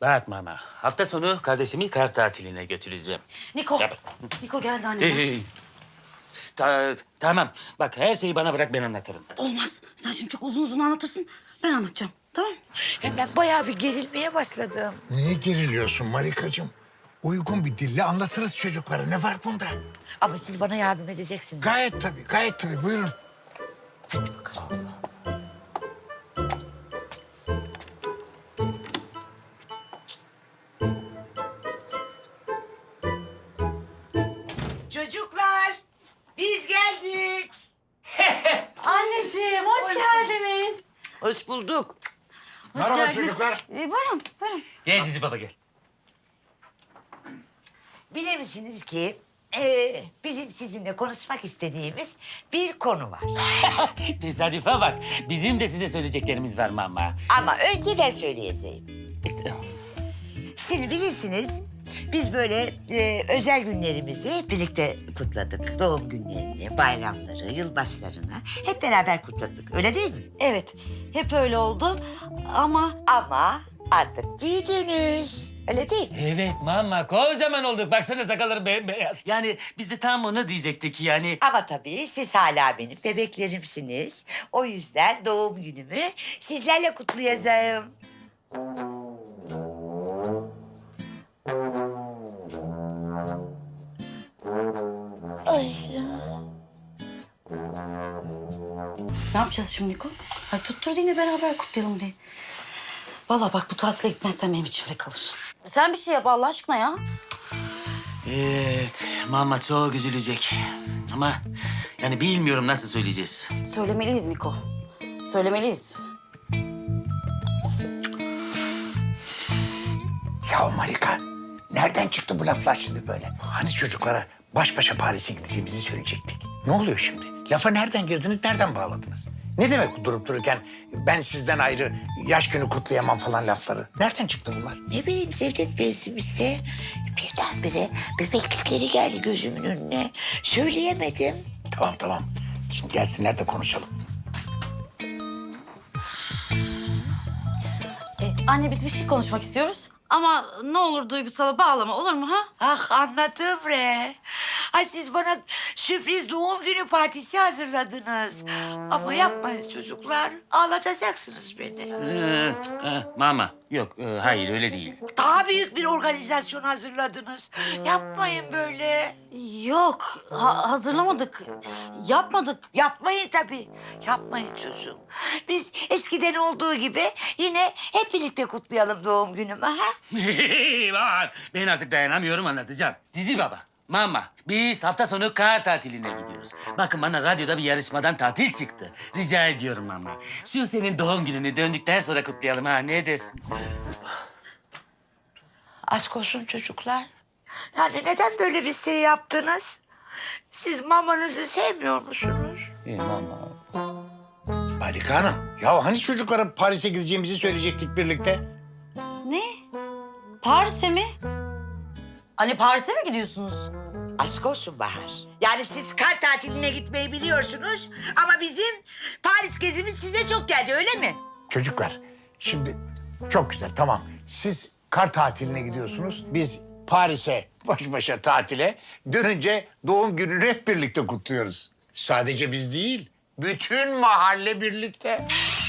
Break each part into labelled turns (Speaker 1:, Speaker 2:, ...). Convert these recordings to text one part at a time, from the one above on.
Speaker 1: Bak mama, hafta sonu kardeşimi kar tatiline götüreceğim.
Speaker 2: Niko.
Speaker 1: Yap.
Speaker 2: Niko geldi annem.
Speaker 1: Tamam, bak her şeyi bana bırak, ben anlatırım.
Speaker 2: Olmaz. Sen şimdi çok uzun uzun anlatırsın. Ben anlatacağım. Tamam mı?
Speaker 3: Hem ben bayağı bir gerilmeye başladım.
Speaker 4: Niye geriliyorsun Marikacığım? Uygun bir dille anlatırız çocuklara. Ne var bunda?
Speaker 3: Ama siz bana yardım edeceksiniz.
Speaker 4: Gayet tabii, gayet tabii. Buyurun.
Speaker 3: Hadi bakalım. Çocuklar, biz geldik.
Speaker 2: Anneciğim hoş geldiniz.
Speaker 3: Hoş bulduk.
Speaker 4: Merhaba
Speaker 2: geldiniz.
Speaker 4: çocuklar.
Speaker 2: Buyurun, buyurun.
Speaker 1: Gel Cici baba gel.
Speaker 3: Bilir misiniz ki bizim sizinle konuşmak istediğimiz bir konu var.
Speaker 1: Tesadüfe bak, bizim de size söyleyeceklerimiz var mama.
Speaker 3: Ama önce ben söyleyeceğim. Şimdi bilirsiniz biz böyle özel günlerimizi hep birlikte kutladık. Doğum günlerini, bayramları, yılbaşlarını hep beraber kutladık. Öyle değil mi?
Speaker 2: Evet, hep öyle oldu ama...
Speaker 3: Ama artık büyüdünüz. Öyle değil mi?
Speaker 1: Evet mama, kocaman olduk. Baksana sakalları bembeyaz. Yani biz de tam onu diyecektik yani.
Speaker 3: Ama tabii siz hala benim bebeklerimsiniz. O yüzden doğum günümü sizlerle kutlayacağım. Ay ya.
Speaker 2: Ne yapacağız şimdi Niko? Ay tuttur yine beraber kutlayalım diye. Vallahi bak bu tatile gitmezsem benim içimde kalır. Sen bir şey yap Allah aşkına ya.
Speaker 1: Evet, mama çok üzülecek. Ama yani bilmiyorum nasıl söyleyeceğiz.
Speaker 2: Söylemeliyiz Niko. Söylemeliyiz.
Speaker 4: Ya Marika, nereden çıktı bu laflar şimdi böyle? Hani çocuklara baş başa Paris'e gideceğimizi söyleyecektik. Ne oluyor şimdi? Lafa nereden girdiniz, nereden bağladınız? Ne demek durup dururken ben sizden ayrı yaş günü kutlayamam falan lafları? Nereden çıktı bunlar?
Speaker 3: Ne bileyim Cevdet Bey'sim işte. Birdenbire bebeklikleri geldi gözümün önüne. Söyleyemedim.
Speaker 4: Tamam. Şimdi gelsinler de konuşalım.
Speaker 2: Anne biz bir şey konuşmak istiyoruz. Ama ne olur duygusala bağlama olur mu ha?
Speaker 3: Ah anladım re. Ay siz bana sürpriz doğum günü partisi hazırladınız. Ama yapmayın çocuklar. Ağlatacaksınız beni.
Speaker 1: Mama, yok, hayır öyle değil.
Speaker 3: Daha büyük bir organizasyon hazırladınız. Yapmayın böyle.
Speaker 2: Yok hazırlamadık. Yapmadık.
Speaker 3: Yapmayın tabii. Yapmayın çocuğum. Biz eskiden olduğu gibi yine hep birlikte kutlayalım doğum günümü ha?
Speaker 1: Var. Ben artık dayanamıyorum, anlatacağım. Cici baba, mama, biz hafta sonu kar tatiline gidiyoruz. Bakın bana radyoda bir yarışmadan tatil çıktı. Rica ediyorum mama. Şu senin doğum gününü döndükten sonra kutlayalım ha, ne dersin?
Speaker 3: Aşk olsun çocuklar. Yani neden böyle bir şey yaptınız? Siz mamanızı sevmiyor musunuz?
Speaker 1: Mama.
Speaker 4: Marika Hanım, ya hani çocuklara Paris'e gideceğimizi söyleyecektik birlikte?
Speaker 2: Ne? Paris'e mi? Anne Paris'e mi gidiyorsunuz?
Speaker 3: Aşk olsun Bahar. Yani siz kar tatiline gitmeyi biliyorsunuz ama bizim Paris gezimiz size çok geldi öyle mi?
Speaker 4: Çocuklar, şimdi çok güzel, tamam. Siz kar tatiline gidiyorsunuz, biz Paris'e baş başa tatile, dönünce doğum gününü hep birlikte kutluyoruz. Sadece biz değil, bütün mahalle birlikte.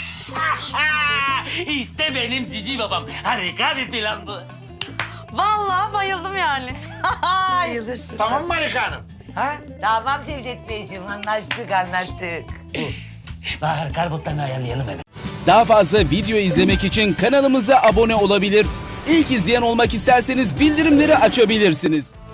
Speaker 1: İşte benim cici babam. Harika bir plan bu.
Speaker 2: Vallahi bayıldım yani.
Speaker 3: Bayılırsın.
Speaker 4: Tamam mı Marika Hanım? Ha?
Speaker 3: Tamam Cevdet Beyciğim anlaştık.
Speaker 1: Bahar, kar botlarını ayarlayalım hemen.
Speaker 5: Daha fazla video izlemek için kanalımıza abone olabilir. İlk izleyen olmak isterseniz bildirimleri açabilirsiniz.